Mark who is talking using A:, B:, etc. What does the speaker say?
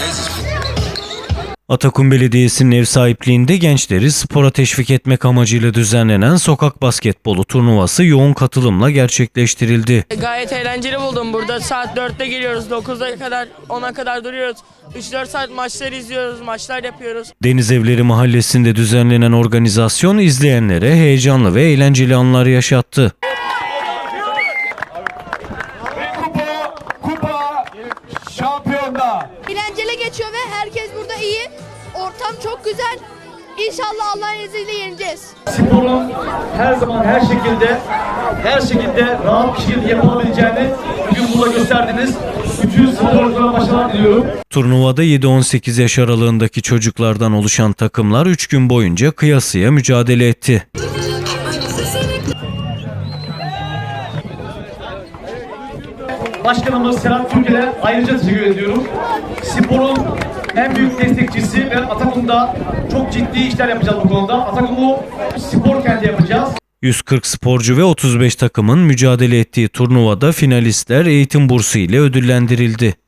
A: Atakum Belediyesi'nin ev sahipliğinde gençleri spora teşvik etmek amacıyla düzenlenen sokak basketbolu turnuvası yoğun katılımla gerçekleştirildi.
B: Gayet eğlenceli buldum. Burada saat 4'te geliyoruz, 9'a kadar 10'a kadar duruyoruz. 3-4 saat maçları izliyoruz, maçlar yapıyoruz.
A: Deniz Evleri Mahallesi'nde düzenlenen organizasyon izleyenlere heyecanlı ve eğlenceli anlar yaşattı.
C: Kupa şampiyonda.
D: Eğlenceli geçiyor ve herkes burada iyi. Ortam çok güzel. İnşallah Allah'ın izniyle yeneceğiz.
C: Sporun her zaman her şekilde rahat bir şekilde yapılabileceğini bugün burada gösterdiniz. Bütün sporculara başarılar diliyorum.
A: Turnuvada 7-18 yaş aralığındaki çocuklardan oluşan takımlar 3 gün boyunca kıyasıya mücadele etti.
C: Başkanımız Serhat Türkel'e ayrıca teşekkür ediyorum. Sporun en büyük destekçisi ve Atakum'da çok ciddi işler yapacağız bu konuda. Atakum'u spor kenti yapacağız.
A: 140 sporcu ve 35 takımın mücadele ettiği turnuvada finalistler eğitim bursu ile ödüllendirildi.